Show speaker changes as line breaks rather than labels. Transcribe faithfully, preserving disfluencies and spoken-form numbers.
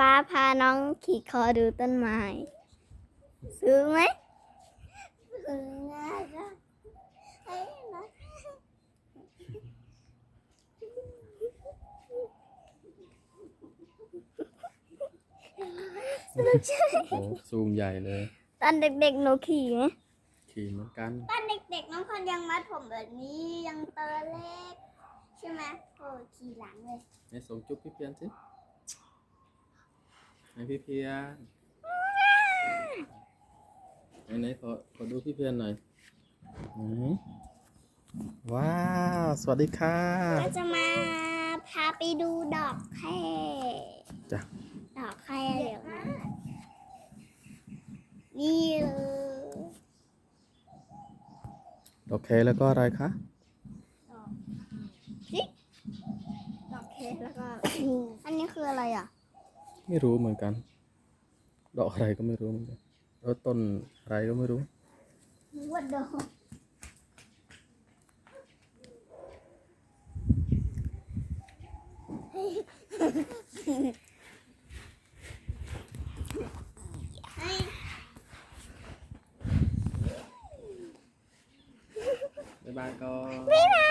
ป๊าพาน้องขี่คอดูต้นไม้ซื้อไหมซื้อง่ายจ้ะไอ้นะ
โอ้ซูมใหญ่เลย
ตอนเด็กๆหนูขี่ไหม
ขี่เหมือนกัน
ตอนเด็กๆน้องคนยังมัดผมแบบนี้ยังตัวเล็กใช่ไหมโอ้ขี่หลังเลย
ไหนส่งจุ๊บพี่เพียนสิไหนพี่เพียนไหนไหนขอขอดูพี่เพียนหน่อยไหนว้าวสวัสดีค่ะ
ก็จะมาพาไปดูดอกแคร
จ้ะ
ดอกแครเดี๋ยวนะนี่เลย
โอเคแล้วก็อะไรคะ
ดอกจิ๊กดอกแครแล้วก็ อันนี้คืออะไรอ่ะ
ไม่รู้เหมือนกัน ดอกอะไรก็ไม่รู้เหมือนกันเออต้นอะไรก็ไม่รู้
ว่าดอกให้
บ๊ายบายก่อน
บ๊ายบาย